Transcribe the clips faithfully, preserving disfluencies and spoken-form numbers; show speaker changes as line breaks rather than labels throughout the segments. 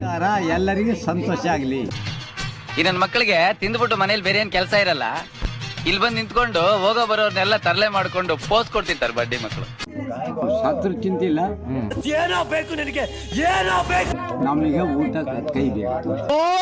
ಎಲ್ಲರಿಗೂ ಸಂತೋಷ ಆಗ್ಲಿ.
ಈ ನನ್ನ ಮಕ್ಕಳಿಗೆ ತಿಂದ್ಬಿಟ್ಟು ಮನೇಲಿ ಬೇರೆ ಏನ್ ಕೆಲಸ ಇರಲ್ಲ, ಇಲ್ಲಿ ಬಂದು ನಿಂತ್ಕೊಂಡು ಹೋಗೋ ಬರೋರ್ನೆಲ್ಲ ತರಲೆ ಮಾಡ್ಕೊಂಡು ಪೋಸ್ ಕೊಡ್ತಿರ್ತಾರೆ ಬಡ್ಡಿ ಮಕ್ಕಳು.
ಸತ್ರ ಚಿಂತಿಲ್ಲ,
ಏನೋ ಬೇಕು ನಿನಗೆ, ಏನೋ ಬೇಕು
ನಮಗೆ ಊಟ ಕೈ ಬೇಕು,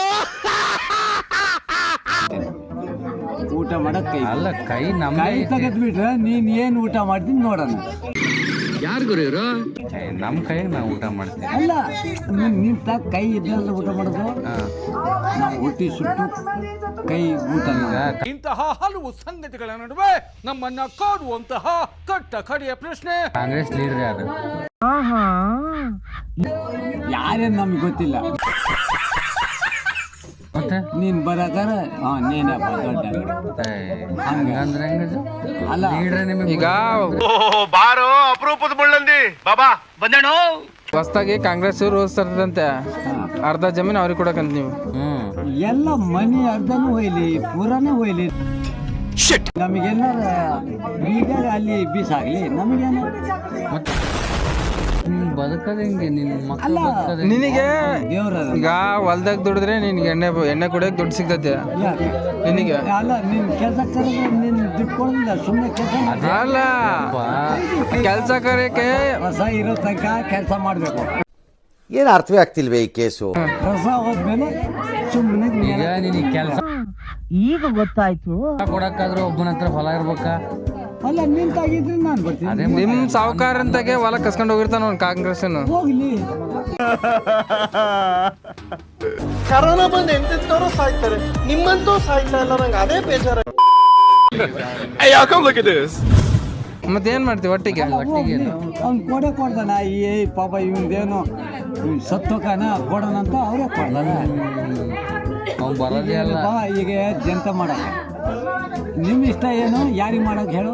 ಊಟ ಮಾಡಕ್ ಕೈ
ಅಲ್ಲ ಕೈ ನಮ್ಮ
ಕೈ ತೆಗೆದ್ ಬಿಟ್ರೆ ನೀನ್ ಏನ್ ಊಟ ಮಾಡ್ತೀನಿ ನೋಡೋಣ.
ಯಾರು ಗುರು ಇವರು? ನಮ್ಮ ಕೈ ನಾವು ಊಟ ಮಾಡ್ತೀವಿ.
ಅಲ್ಲ ನೀನ್ ನಿಂತ ಕೈ ಇದ್ರಲ್ಲ ಊಟ ಮಾಡೋದು, ನಾವು ಹೊಟ್ಟಿ ಸುಟ್ಟು ಕೈ ಊಟ.
ಇಂತಹ ಹಲವು ಸಂಗತಿಗಳ ನಡುವೆ ನಮ್ಮನ್ನ ಕಾಡುವಂತಹ ಕಟ್ಟ ಕಡೆಯ ಪ್ರಶ್ನೆ,
ಕಾಂಗ್ರೆಸ್ ಲೀಡರ್ ಯಾರು?
ಯಾರೇನ್ ನಮ್ಗೆ ಗೊತ್ತಿಲ್ಲ.
ಮತ್ತೆ
ನೀನ್ ಬರಕಾರ ಹಾ ನೀನಪ್ಪ ದೊಡ್ಡ
ಹಂಗಂದ್ರೆ
ಅಲ್ಲ
ಲೀಡ್ರೆ ನಿಮಗೆ
ಈಗ ಬಾರೋ ಅಪರೂಪದ ಮುಳ್ಳಂದಿ ಬಾಬಾ ಬಂದೇಣು. ಹೊಸದಾಗಿ ಕಾಂಗ್ರೆಸ್ ರೂಲ್ಸ್ ತರ್ತದಂತೆ, ಅರ್ಧ ಜಮೀನು ಅವ್ರಿಗೆ ಕೊಡಕಂತ ನೀವು.
ಹ್ಮ್
ಎಲ್ಲ ಮನಿ ಅರ್ಧನೂ ಹೋಯ್ಲಿ ಪೂರಾನೇ ಹೋಯ್ಲಿ, ನಮಗೇನಾರ ಈಗ ಅಲ್ಲಿ ಬೀಸಾಗ್ಲಿ ನಮಗೇನ.
ಮತ್ತೆ ಬದುಕದ ಹೆಂಗೆ ನಿನ್ನ ಮಕ್ಕಳು
ಅಲ್ಲ
ಬದುಕದ
ನಿನಗೆ
ದೇವ್ರ
ಈಗ ಹೊಲ್ದಾಗ ದುಡಿದ್ರೆ ನಿನ್ಗೆ ಎಣ್ಣೆ ಎಣ್ಣೆ ಕುಡಿಯಕ್ ದುಡ್ಡು ಸಿಗ್ತೈತೆ ನಿನಗೆ.
ಅಲ್ಲ ನೀನ್ ಕೆಲಸ ಕರೆದ್ರೆ ನೀನ್ ದುಡ್ಡು ಕೊಡೋದಿಲ್ಲ, ಸುಮ್ಮನೆ ಕೆಲಸ
ಅಲ್ಲ ಕೆಲ್ಸ ಕರೆಯಕ್ಕೆ
ರಸ ಇರೋ ತನಕ ಕೆಲಸ ಮಾಡ್ಬೇಕು.
ಏನು ಅರ್ಥವೇ ಆಗ್ತಿಲ್ವೇ ಈ ಕೇಸು?
ರಸ ಹೋದ್ಮೇಲೆ ಸುಮ್ಮನೆ
ಈಗ ನಿನಗೆ ಕೆಲಸ
ಈಗ ಗೊತ್ತಾಯ್ತು.
ಕೊಡಕ್ಕಾದ್ರೂ ಒಬ್ಬನ ಹತ್ರ ಹೊಲ ಇರ್ಬೇಕಾ?
ಅಲ್ಲ ನಿಂತಾಗಿದ್ರೆ ನಾನು ಬರ್ತೀನಿ.
ಅದೇ
ನಿಮ್ ಸಾವುಕಾರಂತಾಗೆ ಹೊಲ ಕಸ್ಕೊಂಡು ಹೋಗಿರ್ತಾನ ಅವ್ನು ಕಾಂಗ್ರೆಸ್.
ಹೋಗ್ಲಿ
ಕರೋನಾ ಬಂದು ಎಂತೆಂತವ್ರು ಸಾಯ್ತಾರೆ, ನಿಮ್ಮಂತೂ ಸಾಯ್ತಾ ಇಲ್ಲ. ನಂಗೆ ಅದೇ ಬೇಜಾರ.
ಮತ್ತೇನ್ ಮಾಡ್ತೀವಿ ಒಟ್ಟಿಗೆ?
ಅವ್ನು ಕೊಡೆ ಕೊಡ್ತಾನ. ಈ ಪಾಪ ಇವಂದೇನು ಸತ್ತೋಕನ ಕೊಡೋಣ ಅಂತ ಅವರೇ ಕೊಡ್ತಾನೆ.
ಅವ್ನು ಬರೋದೇ ಅಲ್ಲ.
ಬಾ ಈಗ ಜಂತ ಮಾಡಕ ನಿಮ್ ಇಷ್ಟ ಏನು, ಯಾರಿಗೆ ಮಾಡಕ್ ಹೇಳು.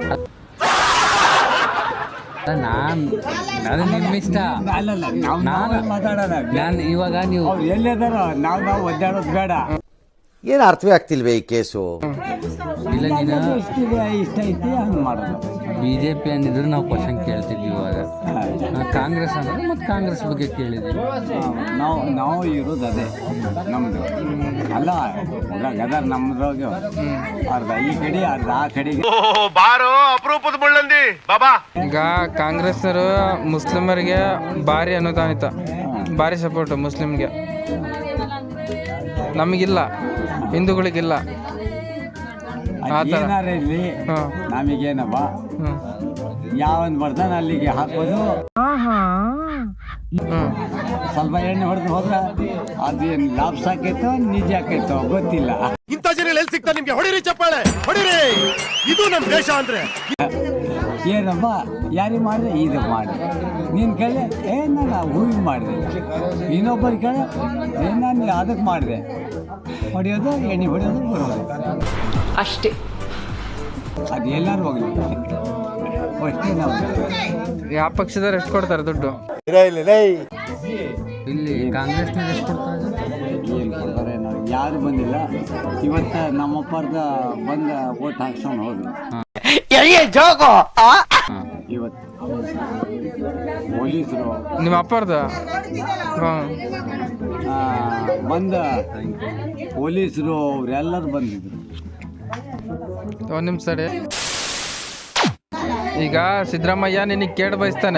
ನಾನ್ ಅದು ನಿಮ್ಮ ಇಷ್ಟ.
ಅಲ್ಲಲ್ಲ ನಾವು
ನಾನು
ಮಾತಾಡೋಣ.
ನಾನು ಇವಾಗ ನೀವು
ಅವ್ರು ಎಲ್ಲಿದಾರ ನಾವು ನಾವು ಒದ್ದಾಡೋದು ಬೇಡ.
ಏನು ಅರ್ಥವೇ ಆಗ್ತಿಲ್ವೇ ಈ ಕೇಸು?
ಇಲ್ಲ ನೀನು
ಎಷ್ಟಿದೆ ಇಷ್ಟ ಐತಿ ಹಂಗೆ ಮಾಡೋದು.
ಬಿಜೆಪಿ ಅಂದಿದ್ರೆ ನಾವು ಕ್ವಶನ್ ಕೇಳ್ತಿದ್ವಿ. ಇವಾಗ ಕಾಂಗ್ರೆಸ್ ಅಂದ್ರೆ ಮತ್ತೆ ಕಾಂಗ್ರೆಸ್ ಬಗ್ಗೆ ಕೇಳಿದ್ವಿ.
ನಾವು ನಾವು ಇರೋದು ಅದೇ ನಮ್ದು. ಅಲ್ಲ ಗದರ್ ನಮ್ದ್ರಾಗ ಅರ್ಧ ಈ ಕಡೆ ಅರ್ಧ ಆ ಕಡೆಗೆ.
ಬಾರೋ ಅಪರೂಪದ ಮುಳ್ಳಂದಿ ಬಾಬಾ. ಈಗ ಕಾಂಗ್ರೆಸ್ನವರು ಮುಸ್ಲಿಮರಿಗೆ ಭಾರಿ ಅನುದಾನಿತ, ಭಾರಿ ಸಪೋರ್ಟ್ ಮುಸ್ಲಿಮ್ಗೆ. ನಮಗಿಲ್ಲ, ಹಿಂದೂಗಳಿಗಿಲ್ಲ.
ಏನಾರ ಇರ್ಲಿ ನಮಗೇನಪ್ಪ, ಯಾವನ್ ಬರ್ತಾನೆ ಅಲ್ಲಿಗೆ ಹಾಕೋದು. ಸ್ವಲ್ಪ ಎಣ್ಣೆ ಹೊಡೆದು ಹೋದ್ರ ಅದೇನು ಲಾಭ ಸಾಕೈತೋ ನಿಜ ಆಕೈತೋ ಗೊತ್ತಿಲ್ಲ.
ಇಂಥ ಜನ ಎಲ್ಲಿ ಸಿಗ್ತಾ ನಿಮ್ಗೆ? ಹೊಡಿರಿ ಚಪ್ಪಾಳೆ ಹೊಡಿರಿ, ಇದು ನಮ್ ದೇಶ ಅಂದ್ರೆ.
ಏನಪ್ಪ ಯಾರಿಗೆ ಮಾಡಿದೆ ಇದು ಮಾಡಿ, ನೀನು ಕೇಳಿ ಏ ನಾನು ಹೂವಿಗೆ ಮಾಡಿದೆ, ಇನ್ನೊಬ್ಬರು ಕೇಳಿ ಏ ನಾನು ಅದಕ್ಕೆ ಮಾಡಿದೆ. ಹೊಡೆಯೋದು ಎಣ್ಣೆ ಹೊಡೆಯೋದು ಬರೋದು
ಅಷ್ಟೇ.
ಅದು ಎಲ್ಲರೂ ಹೋಗಲಿ ಅಷ್ಟೇ. ನಾವು
ಯಾವ ಪಕ್ಷದವ್ರು ಎಷ್ಟು ಕೊಡ್ತಾರೆ ದುಡ್ಡು?
ಇಲ್ಲಿ ಕಾಂಗ್ರೆಸ್ನ ಎಷ್ಟು ಕೊಡ್ತಾರೆ?
ಏನು ಕೊಡ್ತಾರೆ ನಾವು ಯಾರು ಬಂದಿಲ್ಲ. ಇವತ್ತು ನಮ್ಮಪ್ಪರ್ದ ಬಂದ ಓಟ್ ಹಾಕ್ಸ್ಕೊಂಡು ಹೋದ್ರು. ಇವತ್ತು ಪೊಲೀಸರು
ನಿಮ್ಮ ಅಪ್ಪರ್ದ
ಬಂದ ಪೊಲೀಸರು ಅವರೆಲ್ಲರೂ ಬಂದಿದ್ರು.
ಒಂದ್ ನಿಮಿಷ ಸರಿ. ಈಗ ಸಿದ್ದರಾಮಯ್ಯ ನಿನಗೆ ಕೇಟ್ ಬಯಸ್ತಾನೆ,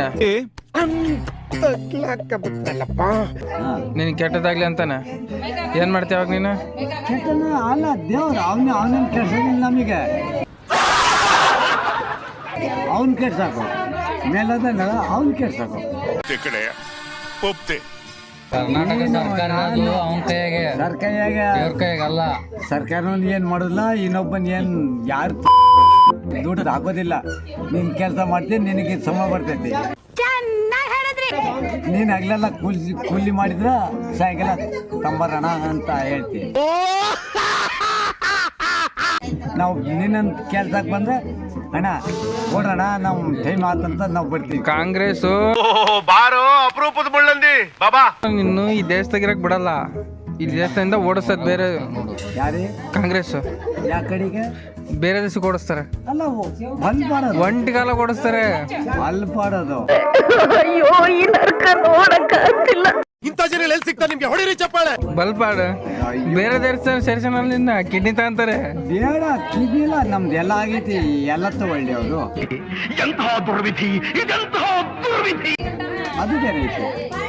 ನಿನಗೆ ಕೆಟ್ಟದಾಗ್ಲಿ ಅಂತಾನೆ. ಏನ್ ಮಾಡ್ತೀಯ ಅವಾಗ ನೀನು?
ಕೆಟ್ಟನ ಅಲ್ಲ ದೇವ್ರು ಅವನ ಅವನೇನು ಕೆಡ್ಸೋದಿಲ್ಲ ನಮಗೆ. ಅವನ್ ಕೆಡ್ಸಾಕು ಮೇಲದ ಅವ್ನ್ ಕೆಡ್ಸಾಕು.
ಕರ್ನಾಟಕ ಸರ್ಕಾರ ಅವನ ಕೈಯಾಗೆ,
ಸರ್ಕಾರಿಯಾಗ
ದೇವ್ರ ಕೈಯಾಗಲ್ಲ.
ಸರ್ಕಾರನ ಏನ್ ಮಾಡೋದಿಲ್ಲ, ಇನ್ನೊಬ್ಬನ್ ಏನ್ ಯಾರು ದುಡ್ಡು ಹಾಕೋದಿಲ್ಲ. ನೀನ್ ಕೆಲಸ ಮಾಡ್ತೀನಿ, ನಿನಗೆ ಸಮ ಬರ್ತೈತಿ. ನೀನ್ ಹಗ್ಲೆಲ್ಲ ಕೂಲಿ ಕೂಲಿ ಮಾಡಿದ್ರ ಸಾಯಂಕಾಲ ತಂಬರಣ ಅಂತ ಹೇಳ್ತೀನಿ. ನಾವು ನಿನ್ನಂತ ಕೆಲ್ಸಕ್ಕೆ ಬಂದ್ರೆ ಅಣ್ಣ ಕೊಡೋಣ, ನಾವು ಟೈಮ್ ಆತಂತ ನಾವು ಬರ್ತೀವಿ.
ಕಾಂಗ್ರೆಸ್
ಬಾರೋ ಅಪರೂಪದ ಮುಳ್ಳಂದಿ ಬಾಬಾ.
ಇನ್ನು ಈ ದೇಶದಾಗಿರಕ್ ಬಿಡಲ್ಲ, ಈ ದೇಶದಿಂದ ಓಡಿಸೋದು ಬೇರೆ.
ಯಾರೇ
ಕಾಂಗ್ರೆಸ್
ಯಾವ ಕಡೆಗೆ
ಬೇರೆ ದೇಶಕ್ಕೆ ಓಡಿಸ್ತಾರೆ.
ಅಲ್ಲ ಬಂದ್ ಮಾಡೋದು,
ಒಂಟಿಗಾಲ ಓಡಿಸ್ತಾರೆ,
ಅಲ್ಲಿ ಪಾಡೋದು.
ಅಯ್ಯೋ ಈ ನರ್ಕ ನೋಡಕ್ಕಾಗ್ತಿಲ್ಲ.
ಇಂಥ ಜನ ಎಲ್ಲಿ ಸಿಗ್ತಾರೆ ನಿಮ್ಗೆ? ಹೊಡಿರಿ ಚಪ್ಪಾಳೆ.
ಬಲ್ಪಾಡು ಬೇರೆ ದೇಶ ಸೇರ್ಸೋಣ ನಿನ್ನ ಕಿಡ್ನಿ ತಗೊಂತಾರೆ.
ಬೇಡ ಕಿಡ್ನಿಲ್ಲ, ನಮ್ದು ಎಲ್ಲ ಆಗೈತಿ, ಎಲ್ಲ ತಗೊಳ್ಳಿ ಅವರು. ಅದು ಬೇರೆ ಐತಿ.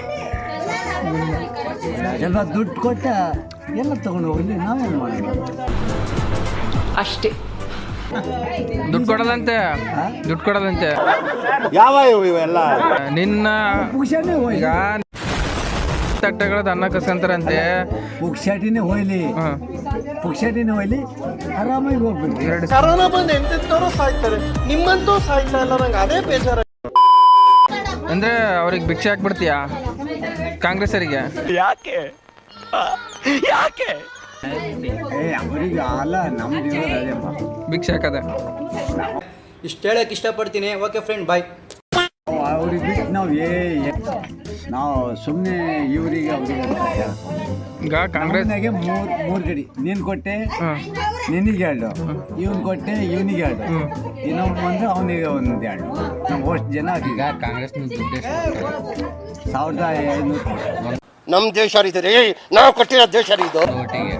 ಎಲ್ಲ ದುಡ್ಡು ಕೊಟ್ಟ ಎಲ್ಲ ತಗೊಂಡು ಹೋಗ್ಲಿ, ನಾವೇನು ಮಾಡೋದು?
ಅಷ್ಟೇ.
ದುಡ್ಡು ಕೊಡೋದಂತೆ, ದುಡ್ಡು ಕೊಡೋದಂತೆ.
ಯಾವ ಇವೆಲ್ಲ
ನಿನ್ನ
ಪುಕ್ಷಾಟಿನೇ ಹೋಯ್ಲಿ,
ಈಗ ತಟ್ಟೆಗಳದ್ದು ಅನ್ನ ಕಸ್ಕೊಂತಾರಂತೆ.
ಪುಕ್ಷಾಟಿನೇ ಹೋಯ್ಲಿ, ಪುಕ್ಷಾಟಿನೇ ಹೋಯ್ಲಿ, ಆರಾಮಾಗಿ ಹೋಗ್ಬೇಕು.
ಎರಡು
ಕರೋನಾ ಬಂದು ಎಂತೆಂತವ್ರು ಸಾಯ್ತಾರೆ, ನಿಮ್ಮಂತೂ ಸಾಯ್ತಾ ಇಲ್ಲ. ನಂಗೆ ಅದೇ ಬೇಜಾರ.
ಅಂದ್ರೆ ಅವ್ರಿಗೆ ಭಿಕ್ಷೆ ಹಾಕ್ಬಿಡ್ತೀಯಾ ಕಾಂಗ್ರೆಸ್ಸರಿಗೆ?
ಯಾಕೆ ಯಾಕೆ
ಏ ಅವರಿಗೆ ಅಲ್ಲ, ನಮ್ದು ಇರೋದು ಅದೇಪ್ಪ.
ಭಿಕ್ಷೆ ಹಾಕದೆ
ಇಷ್ಟು ಹೇಳಕ್ ಇಷ್ಟಪಡ್ತೀನಿ. Okay friend, bye.
ಅವ್ರಿಗೆ ಬಿಟ್ಟು ನಾವು ಏ ನಾವು ಸುಮ್ಮನೆ ಇವರಿಗೆ ಅವ್ರಿಗೆ
ಈಗ ಕಾಂಗ್ರೆಸ್
ಕಾಂಗ್ರೆಸ್ನಾಗೆ ಮೂರು ಮೂರು ಗಡಿ ನೀನು ಕೊಟ್ಟೆ
ಹ್ಮ್.
ನಿನಗೆ ಎರಡು, ಇವನು ಕೊಟ್ಟೆ ಇವನಿಗೆ ಎರಡು, ಇನ್ನೊಬ್ಬ ಬಂದ್ರೆ ಅವನಿಗೆ ಒಂದು ಎರಡು. ನಾವು ಅಷ್ಟು ಜನ
ಈಗ
ಈಗ
ಕಾಂಗ್ರೆಸ್ನ ದುಡ್ಡು ಎಷ್ಟು ಕೊಡ್ತಾರೆ?
ಸಾವಿರದ ಐನೂರು
ನಮ್ ದೇಶ ರೀ, ನಾವು ಕಟ್ಟಿರೋ ದೇಶ ರೀ ಇದು.
ಒಟ್ಟಿಗೆ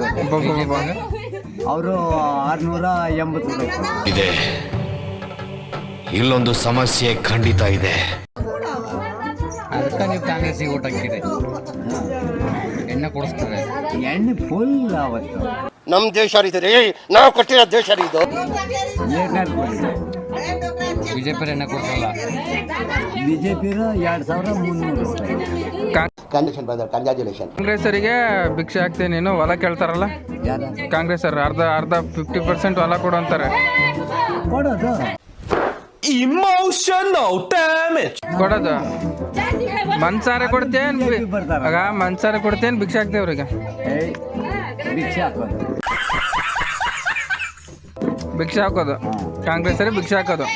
ಅವರು ಆರುನೂರ ಎಂಬತ್ತು ರೂಪಾಯಿ.
ಇದೆ, ಇಲ್ಲೊಂದು ಸಮಸ್ಯೆ ಖಂಡಿತ ಇದೆ.
ಅದಕ್ಕೆ ನೀವು ಕಾಂಗ್ರೆಸ್ಸಿಗೆ ಓಟ್ ಹಾಕಿರಿ, ಎಣ್ಣೆ ಕೊಡಿಸ್ತಾರೆ.
ಎಣ್ಣೆ ಫುಲ್ ಅವತ್ತು
ನಮ್ ದೇಶ ರೀ, ನಾವು ಕಟ್ಟಿರೋ ದೇಶ ರೀ ಇದು.
ಏನಾದ್ರು
ಬಿಜೆಪಿ ಎಣ್ಣೆ ಕೊಡ್ಸಲ್ಲ.
ಬಿ ಜೆ ಪಿರ ಎರಡು ಸಾವಿರ ಮುನ್ನೂರು ರೂಪಾಯಿ.
Condition brother, congratulation.
ಕಾಂಗ್ರೆಸ್ಸರಿಗೆ ಭಿಕ್ಷೆ ಹಾಕ್ತೀನಿ ನೀನು, ಹೊಲ ಕೇಳ್ತಾರಲ್ಲ
ಯಾರ
ಕಾಂಗ್ರೆಸ್ಸರು, ಅರ್ಧ ಅರ್ಧ ಫಿಫ್ಟಿ ಪರ್ಸೆಂಟ್ ಹೊಲ ಕೊಡು ಅಂತಾರೆ.
ಕೊಡೋದು
ಕೊಡೋದು ಮನ್ಸಾರೆ ಕೊಡ್ತೇನ್?
ಬಿಜೆಪಿ ಬರ್ತಾರ.
ಆಗ ಮನ್ಸಾರೆ ಕೊಡ್ತೇನ್, ಭಿಕ್ಷೆ ಹಾಕ್ತೇವೆ ಅವ್ರಿಗೆ.
ಏಯ್ ಭಿಕ್ಷೆ ಹಾಕೋದು,
ಭಿಕ್ಷೆ ಹಾಕೋದು ಕಾಂಗ್ರೆಸ್ಸರಿಗೆ ಭಿಕ್ಷೆ ಹಾಕೋದು.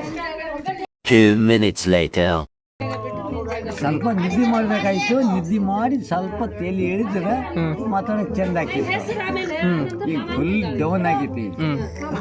ಸ್ವಲ್ಪ ನಿದ್ದೆ ಮಾಡ್ಬೇಕಾಯ್ತು, ನಿದ್ದೆ ಮಾಡಿ ಸ್ವಲ್ಪ ತಲೆ ಎಳಿದ್ರೆ ಮಾತಾಡಕ್ ಚಂದ ಆಕೈತಿ. ಈಗ ಫುಲ್ ಡೌನ್ ಆಗೈತಿ.
ಹ್ಮ್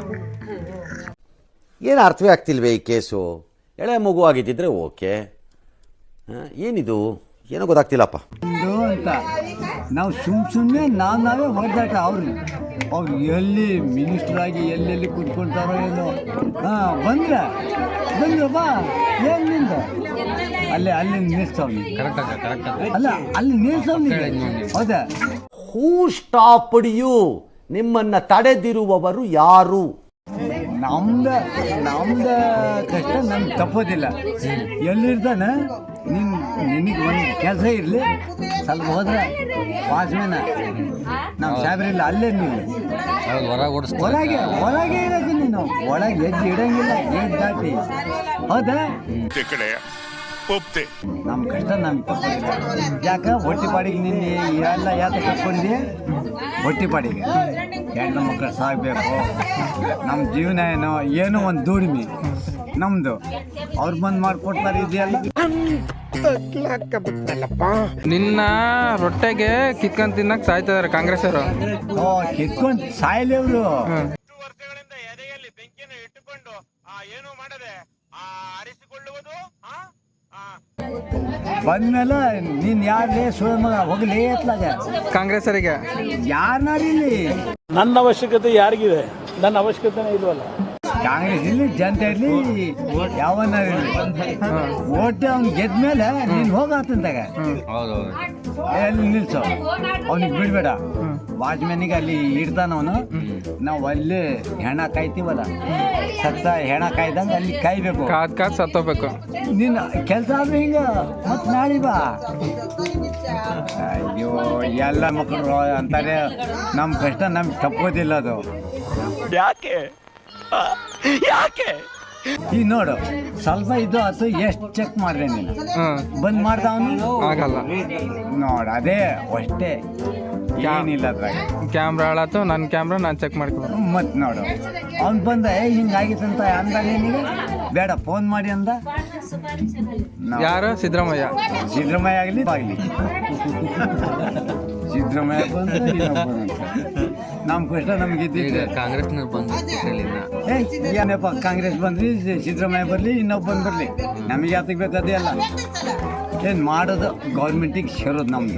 ಏನು ಅರ್ಥವೇ ಆಗ್ತಿಲ್ವೇ ಈ ಕೇಸು? ಎಳೆ ಮಗು ಆಗಿದ್ದಿದ್ರೆ ಓಕೆ, ಏನಿದು ಏನೋ ಗೊತ್ತಾಗ್ತಿಲ್ಲಪ್ಪ.
ಒಂದು ಅಂತ ನಾವು ಸುಮ್ ಸುಮ್ಮನೆ ನಾವು ನಾವೇ ಹೊಡೆದಾಟ. ಅವ್ರು ಅವ್ರು ಎಲ್ಲಿ ಮಿನಿಸ್ಟರ್ ಆಗಿ ಎಲ್ಲೆಲ್ಲಿ ಕೂತ್ಕೊಳ್ತಾರೋ ಏನೋ. ಹಾಂ ಬಂದ್ರ ಬಂದ್ರ ಬಾ, ಏನು ನಿಂದ ಅಲ್ಲೇ ಅಲ್ಲಿ ನಿಲ್ಸವ್ನಿ.
ಕರೆಕ್ಟ್ ಆಗ ಕರೆಕ್ಟ್ ಆಗ
ಅಲ್ಲ ಅಲ್ಲಿ ನಿಲ್ಸವ್ನಿ. ಹೌದಾ?
Who stopped you? ನಿಮ್ಮನ್ನ ತಡೆದಿರುವವರು ಯಾರು?
ನಮ್ದ ನಮ್ದ ಕಷ್ಟ ನಮ್ಗೆ ತಪ್ಪೋದಿಲ್ಲ. ಎಲ್ಲಿರ್ತಾನೆ ನಿನ್ ನಿನಗೆ ಒಂದು ಕೆಲಸ ಇರಲಿ, ಸ್ವಲ್ಪ ಹೋದ್ರೆ ವಾಚ್ಮೇನ ನಾವು ಸಾಬ್ರಿಲ್ಲ ಅಲ್ಲೇ ನೀವು
ಹೌದು, ಹೊರಗೆ ಓಡಿಸ್ತಾರೆ.
ಹೊರಗೆ ಹೊರಗೆ ಇರೋದು ನೀನು, ಒಳಗೆ ಹೆಜ್ಜೆ ಇಡಂಗಿಲ್ಲ, ಗೇಟ್ ದಾಟಿ. ಹೌದಾ? ನಮ್ಮ ಕಷ್ಟ ನಮ್ಗೆ ತಪ್ಪೋದಿಲ್ಲ. ಯಾಕೆ ಹೊಟ್ಟೆ ಪಾಡಿಗೆ ನಿನ್ನೆ ಎಲ್ಲ ಯಾತ ಕಟ್ಕೊಂಡಿ? ಹೊಟ್ಟೆ ಪಾಡಿಗೆ ಹೆಣ್ಣು ಮಕ್ಕಳು ಸಾಗಬೇಕು, ನಮ್ಮ ಜೀವನ ಏನೋ ಏನೋ ಒಂದು ದುಡಿಮೆ ನಮ್ಮದು. ಅವ್ರು ಬಂದು ಮಾಡಿಕೊಡ್ತಾರೆ ಇದೆಯಲ್ಲ.
ನಿನ್ನ ರೊಟ್ಟೆಗೆ ಕಿತ್ಕೊಂಡ್ ತಿನ್ನಕ್ ಸಾಯ್ತಿದಾರೆ ಕಾಂಗ್ರೆಸ್ ಅವರು.
ಓ ಕಿತ್ಕೊಂಡು ಸಾಯ್ಲಿ ಅವರು. ಬಂದ್ಮೇಲೆ ನೀನ್ ಯಾರೇ ಸುಳ್ಳು ಮಗ ಹೋಗ್ಲಿ ಎತ್ಲಾಗ
ಕಾಂಗ್ರೆಸ್ಸರಿಗೆ
ಯಾರನ್ನಾರಿಲ್ಲಿ.
ನನ್ನ ಅವಶ್ಯಕತೆ ಯಾರಿಗಿದೆ? ನನ್ನ ಅವಶ್ಯಕತೆನೇ ಇಲ್ವಲ್ಲ.
ಕಾಂಗ್ರೆಸ್ ಇಲ್ಲಿ ಜನತೆ ಇರಲಿ ಯಾವನ್ನ ಓಟ್ ಅವ್ನು ಗೆದ್ಮೇಲೆ ನೀನು ಹೋಗತ್ತಂತಾಗ
ಹೌದು ಹೌದು.
ಎಲ್ಲಿ ನಿಲ್ಸು, ಅವ್ನಿಗೆ ಬಿಡ್ಬೇಡ. ವಾಚ್ಮ್ಯಾನಿಗೆ ಅಲ್ಲಿ ಇಡ್ತಾನವನು, ನಾವು ಅಲ್ಲಿ ಹೆಣ ಕಾಯ್ತೀವಲ್ಲ, ಸತ್ತ ಹೆಣ ಕಾಯ್ದಂಗೆ ಅಲ್ಲಿ ಕಾಯ್ಬೇಕು.
ಕಾದ್ ಕಾದ್ ಸತ್ತೋಗ್ಬೇಕು.
ನಿನ್ನ ಕೆಲಸ ಆದ್ರೆ ಹಿಂಗ ಮತ್ ನಾಳೆ ಬಾ. ಅಯ್ಯೋ ಎಲ್ಲ ಮಕ್ಕಳು ಅಂತಾರೆ ನಮ್ಮ ಕಷ್ಟ ನಮ್ಗೆ ತಪ್ಪೋದಿಲ್ಲ ಅದು.
ಯಾಕೆ ಯಾಕೆ
ಈಗ ನೋಡು ಸ್ವಲ್ಪ ಇದು ಆತು, ಎಷ್ಟು ಚೆಕ್ ಮಾಡಿದೆ ನೀನು?
ಹ್ಮ್
ಬಂದ್ ಮಾಡ್ದ ಅವನು
ಆಗಲ್ಲ.
ನೋಡು ಅದೇ ಅಷ್ಟೇ, ಏನಿಲ್ಲ ಅದ್ರಾಗ.
ಕ್ಯಾಮ್ರಾ ಹಾಳಾತು, ನನ್ನ ಕ್ಯಾಮ್ರಾ ನಾನು ಚೆಕ್ ಮಾಡ್ಕೊಂಡು.
ಮತ್ ನೋಡು ಅವ್ನು ಬಂದ ಏ ಹಿಂಗಾಗಿತ್ತಂತ ಅಂದ ನಿನಗೆ ಬೇಡ ಫೋನ್ ಮಾಡಿ ಅಂದ. ನಾವು
ಯಾರು? ಸಿದ್ದರಾಮಯ್ಯ.
ಸಿದ್ದರಾಮಯ್ಯ ಆಗಲಿ ಆಗಲಿ ಸಿದ್ದರಾಮಯ್ಯ ಬಂದ ನಮ್ಮ ಕಷ್ಟ ನಮ್ಗೆ
ಈಗ
ಇದ್ದಿದ್ದೆ.
ಕಾಂಗ್ರೆಸ್ನವ್ರು ಬಂದು ಇನ್ನ
ಏ ಏನಪ್ಪ ಕಾಂಗ್ರೆಸ್ ಬಂದ್ರಿ, ಸಿದ್ದರಾಮಯ್ಯ ಬರಲಿ, ಇನ್ನೊಬ್ಬ ಬಂದು ಬರಲಿ, ನಮಗೆ ಯಾತಕ್ಕೆ ಬೇಕು ಅದೇ ಅಲ್ಲ. ಏನು ಮಾಡೋದು ಗೌರ್ಮೆಂಟಿಗೆ ಸೇರೋದು ನಮ್ಮದು.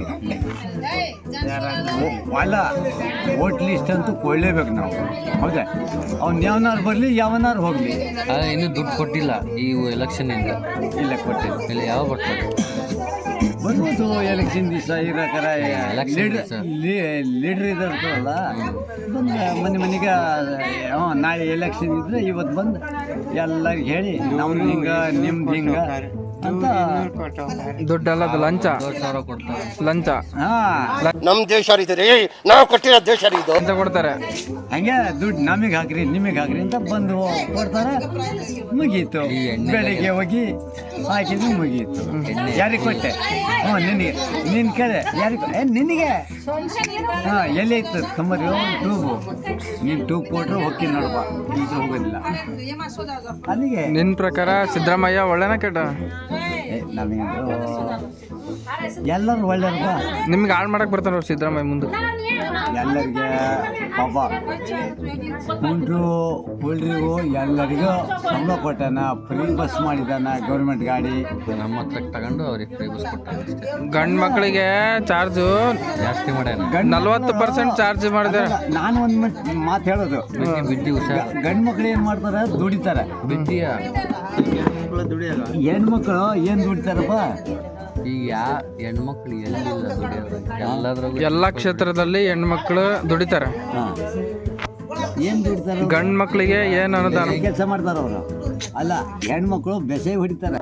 ಅಲ್ಲ ವೋಟ್ ಲಿಸ್ಟ್ ಅಂತೂ ಕೊಡಲೇಬೇಕು ನಾವು. ಹೌದಾ, ಅವ್ನು ಯಾವನಾರು ಬರಲಿ ಯಾವನಾರು ಹೋಗಲಿ.
ಆದರೆ ಇನ್ನೂ ದುಡ್ಡು ಕೊಟ್ಟಿಲ್ಲ ಈ ಎಲೆಕ್ಷನ್ನಿಂದ.
ಇಲ್ಲ ಕೊಟ್ಟಿಲ್ಲ.
ಇಲ್ಲ ಯಾವ ಬರ್ತದೆ
ಬರ್ಬೋದು ಎಲೆಕ್ಷನ್ ದಿವಸ ಇರೋಕರ
Election
ಲೀಡ್ರ್
ದಿವ್ಸ.
ಲೀಡ್ರ್ ಇದಾರ್ತಲ್ಲ ಬಂದು ಮನೆ ಮನೆಗೆ ಹ್ಞೂ ನಾಳೆ ಎಲೆಕ್ಷನ್ ಇದ್ರೆ ಇವತ್ತು ಬಂದು ಎಲ್ಲರಿಗೆ ಹೇಳಿ ನಮ್ದು ಹಿಂಗೆ ನಿಮ್ದು ಹಿಂಗೆ ಅಂತ.
ದುಡ್ಡೆಲ್ಲ ಅದು ಲಂಚ
ಎರಡು ಸಾವಿರ ಕೊಡ್ತಾರೆ.
ಲಂಚ
ಹಾಂ
ನಮ್ ದೇಶ ರೀ ನಾವು ಕೊಟ್ಟಿರೋ ದೇಶ ರೀ ಇದು.
ಲಂಚ ಕೊಡ್ತಾರೆ.
ಹಂಗೆ ದುಡ್ಡು ನಮಗೆ ಹಾಕ್ರಿ ನಿಮಗೆ ಹಾಕ್ರಿ ಅಂತ ಬಂದು ಕೊಡ್ತಾರೆ. ಮುಗೀತು.
ಈ ಎಣ್ಣೆ
ಬೆಳಿಗ್ಗೆ ಹೋಗಿ ಹಾಕಿದ್ರು ಮುಗೀತು.
ಎಣ್ಣೆ.
ಯಾರಿಗೆ ಕೊಟ್ಟೆ? ಹ್ಞೂ ನಿನಗೆ. ನಿನ್ನ ಕಡೆ ಯಾರಿಗೆ? ಏ ನಿನಗೆ. ಹಾಂ ಎಲ್ಲಿ ಇತ್ತು ತೊಂಬತ್ತು ಟ್ಯೂಬು. ನೀನು ಟ್ಯೂಬ್ ಕೊಟ್ಟರು ಹೋಗಿ ನೋಡಪ್ಪ, ಈಗ ಹೋಗೋದಿಲ್ಲ ಅಲ್ಲಿಗೆ.
ನಿನ್ನ ಪ್ರಕಾರ ಸಿದ್ದರಾಮಯ್ಯ ಒಳ್ಳೆನ ಕೆಟ್ಟ?
ಏ ನಮಗೆ ಎಲ್ಲರೂ ಒಳ್ಳೆಯವ್ರಪ್ಪ.
ನಿಮ್ಗೆ ಹಾಳು ಮಾಡಕ್ಕೆ ಬರ್ತಾರ ಸಿದ್ದರಾಮಯ್ಯ ಮುಂದೆ.
ಎಲ್ಲರಿಗೆ ಪಾಪ ಕುಂಡ್ರು ಕುಳ್ರಿಗೂ ಎಲ್ಲರಿಗೂ ಸಂಬಳ ಕೊಟ್ಟಾನ, ಫ್ರೀ ಬಸ್ ಮಾಡಿದಾನ ಗೌರ್ಮೆಂಟ್ ಗಾಡಿ.
ನಮ್ಮ ಹತ್ರ ತಗೊಂಡು ಅವ್ರಿಗೆ ಫ್ರೀ ಬಸ್ ಕೊಟ್ಟಾರೆ ಅಷ್ಟೇ.
ಗಂಡು ಮಕ್ಕಳಿಗೆ ಚಾರ್ಜು
ಜಾಸ್ತಿ ಮಾಡ್ಯಾನ.
ಗಂಡ್
ನಲ್ವತ್ತು ಪರ್ಸೆಂಟ್ ಚಾರ್ಜ್ ಮಾಡಿದ್ದಾರೆ.
ನಾನು ಒಂದು ಮಾತು ಹೇಳೋದು,
ಬಿದ್ದಿ ಬಿದ್ದಿ ಹುಷಾರ್.
ಗಂಡು ಮಕ್ಳು ಏನು ಮಾಡ್ತಾರೆ? ದುಡಿತಾರೆ.
ಬಿದ್ದಿಯ
ಹೆಣ್ಮಕ್ಳು ಏನು ದುಡಿತಾರಪ್ಪ?
ಈಗ ಯಾ ಹೆಣ್ಮಕ್ಳು ಎಲ್ಲಿಲ್ಲ ದುಡಿಯೋದು ಎಲ್ಲದ್ರಾಗೂ.
ಎಲ್ಲ ಕ್ಷೇತ್ರದಲ್ಲಿ ಹೆಣ್ಮಕ್ಳು ದುಡಿತಾರೆ.
ಹಾಂ ಏನು ದುಡಿತಾರೆ?
ಗಂಡು ಮಕ್ಕಳಿಗೆ ಏನು ಅನುದಾನ?
ಕೆಲಸ ಮಾಡ್ತಾರೆ ಅವರು. ಅಲ್ಲ ಹೆಣ್ಮಕ್ಳು ಬೆಸೆ ಹೊಡಿತಾರೆ.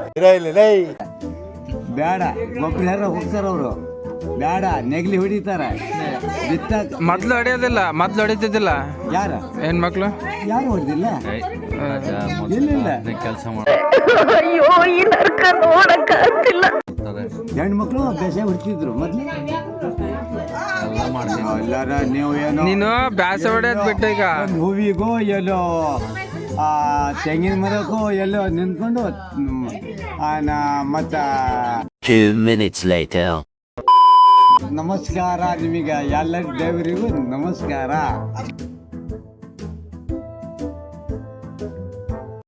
ಬೇಡ ಗೊಬ್ಬರ ಯಾರ ಹೋಗ್ತಾರೆ ಅವರು. ಬೇಡ ನೆಗಲಿ ಹೊಡಿತಾರೆ. ಬಿತ್ತ
ಮೊದ್ಲು ಹೊಡೆಯೋದಿಲ್ಲ, ಮೊದ್ಲು ಹೊಡಿತಿದ್ದಿಲ್ಲ
ಯಾರ
ಹೆಣ್ಮಕ್ಳು.
ಯಾರು ಹೊಡೆದಿಲ್ಲ.
ಇಲ್ಲ ಕೆಲಸ ಮಾಡ್ತಾರೆ.
ಹೆಣ್ಮಕ್ಳು ಬೆಸೆ ಹೊಡಿತಿದ್ರು ಮೊದ್ಲು.
ಎಲ್ಲ ಮಾಡ್ತೀವಿ.
ಎಲ್ಲಾರ ನೀವು ಏನೋ
ನೀನು ಬ್ಯಾಸ ಹೊಡೆಯೋದು ಬಿಟ್ಟು ಈಗ
ಒಂದು ಹೂವಿಗೋ ಎಲ್ಲೋ ಆ ತೆಂಗಿನ ಮರಕ್ಕೋ ಎಲ್ಲೋ ನಿಂತ್ಕೊಂಡು ಮತ್ತು
Two minutes later.
ನಮಸ್ಕಾರ ನಿಮಗೆ ಎಲ್ಲ ದೇವರಿಗೂ ನಮಸ್ಕಾರ.